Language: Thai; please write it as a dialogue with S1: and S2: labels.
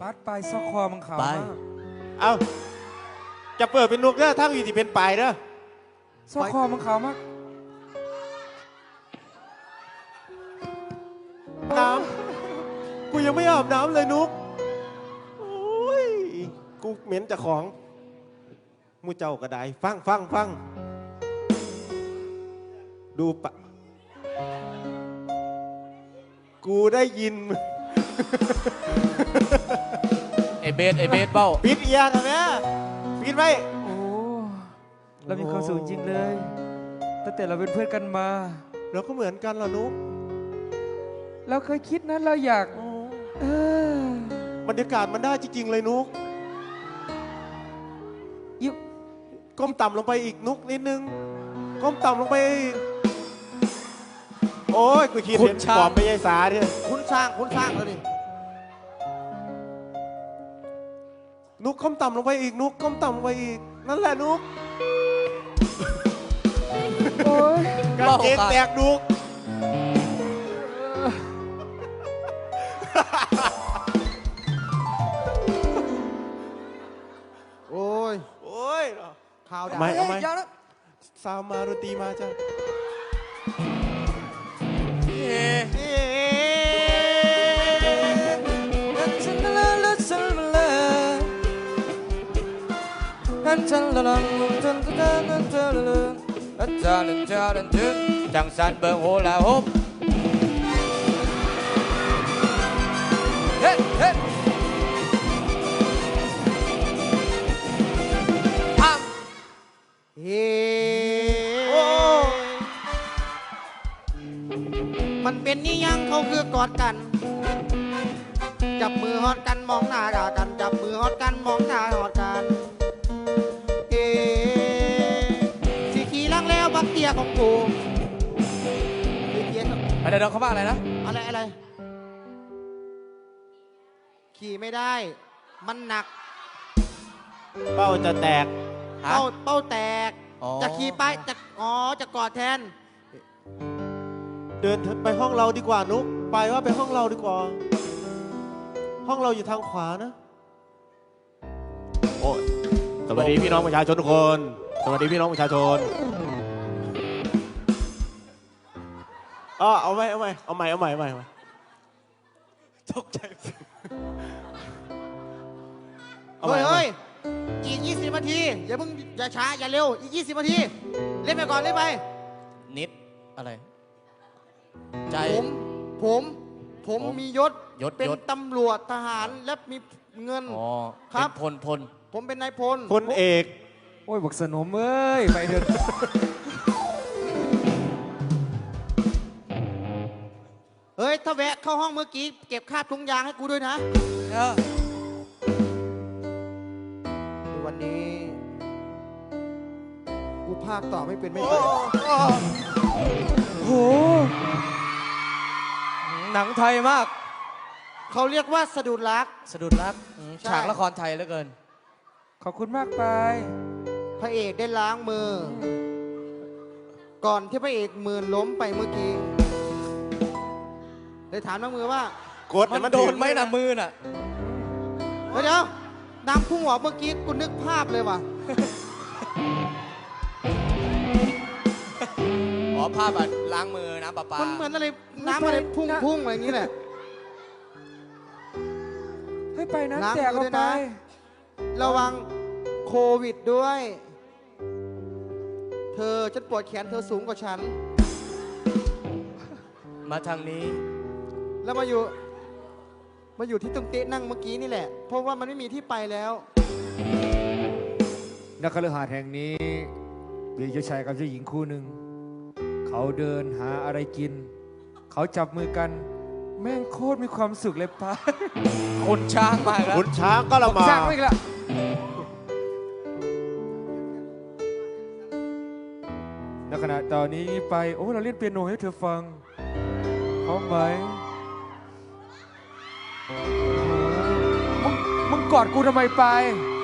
S1: ปัดปลายซอกคอมังขาวมาก
S2: เอาจะเปิดเป็นนุกเด้อทั้งอีที่เป็นปลายเด้อ
S1: ซอกคอมังขาวมาก
S2: น้ำกูยังไม่อาบน้ำเลยนุกโอ้ยกูเหม็นจากของมูเจ้ากระไดฟังดูปะกูได้ยิน
S3: ไอเบสเบ้า
S2: ปิดเอียกันนะปิดไว้
S1: โอ้เรามีความสุขจริงเลยตั้งแต่เราเป็นเพื่อนกันมา
S2: เราก็เหมือนกันเหรอนุก
S1: เราเคยคิดนะเราอยาก
S2: บรรยากาศมันได้จริงๆเลยนุกก้มต่ำลงไปอีกนุกนิดนึงก้มต่ำลงไปอีกโอ้ยกูคิดเห็นปอบไปยายสาเนี่ย
S4: คุณสร้างแล้วนี่
S2: นุกก้มต่ำลงไปอีกนุกก้มต่ำลงไปอีกนั่นแหละนุก
S1: โอ้ย
S2: กางเกงแตกนุก
S4: โอ้ยข่าวดัง
S2: เอาไหมซาวมาดนตรีมาจ้ะ
S3: จังสันเบิงโหลาฮบเฮ้เฮ้
S4: มันเป็นนี่ยังเขาคือกอดกันจับมือฮอดกันมองหน้ากันจับมือฮอดกันมองหน้าฮอดกันสีขี่ลังแล้วบักเตียของกู
S3: อะไรเขาว่าอะไรนะ
S4: อะไรขี่ไม่ได้มันหนัก
S2: เป้าจะแตก
S4: เป้าแตกจะขี่ไปจะกอดแทน
S2: เดินไปห้องเราดีกว่านุกไปว่าไปห้องเราดีกว่าห้องเราอยู่ทางขวานะโอ้สวัสดีพี่น้องประชาชนทุกคนสวัสดีพี่น้องประชาชนเอาใหม่ตกใจ
S4: เฮ้ยอีก20 นาทีอย่าช้าอย่าเร็วอีก20 นาทีเล่นไปก่อนเล่นไป
S3: นิดอะไรใจ
S4: ผมมียศเป็นตำรวจทหารและมีเงินครับ
S3: พล
S4: ผมเป็นนายพล
S2: เอก
S1: โอ้ยบอกสนมเอ้ยไปเถอะ
S4: เฮ้ยถ้าแวะเข้าห้องเมื่อกี้เก็บค่าถุงยางให้กูด้วยนะวันนี้กูภาคต่อไม่เป็นไม่ได้
S1: โหหนังไทยมาก
S4: เขาเรียกว่าสะดุดรัก
S3: ฉากละครไทยเหลือเกิน
S1: ขอบคุณมากไป
S4: พระเอกได้ล้างมือก่อนที่พระเอกมือล้มไปเมื่อกี้เลยถามน้องมือว่าก
S3: ดมันโดนไหมนะมือน่ะ
S4: เดี๋ยวน้ำพุ่งออกเมื่อกี้กูนึกภาพเลยว่ะ
S3: ภาพแบบล้างมือน้ำประปา
S4: มันเหมือนอะไรน้ำอะไรพุ่งอะไรอย่างนี้แหละ
S1: ให้ไปน้ำแตกไป
S4: ระวังโควิดด้วยเธอฉันปวดแขนเธอสูงกว่าฉัน
S3: มาทางนี้
S4: แล้วมาอยู่ที่ตรงเต๊ะนั่งเมื่อกี้นี่แหละเพราะว่ามันไม่มีที่ไปแล้ว
S1: นักคฤหาสน์แห่งนี้มีเจ้าชายกับเจ้าหญิงคู่หนึ่งเขาเดินหาอะไรกินเขาจับมือกันแม่งโคตรมีความสุขเลยป้า
S3: คนช้างมาแล้ว
S2: คนช้างก็ละมา
S1: ช้างไม่ละในขณะตอนนี้ไปโอ้เราเล่นเปียโนให้เธอฟังพร้อมไหมมึงกอดกูทำไมไป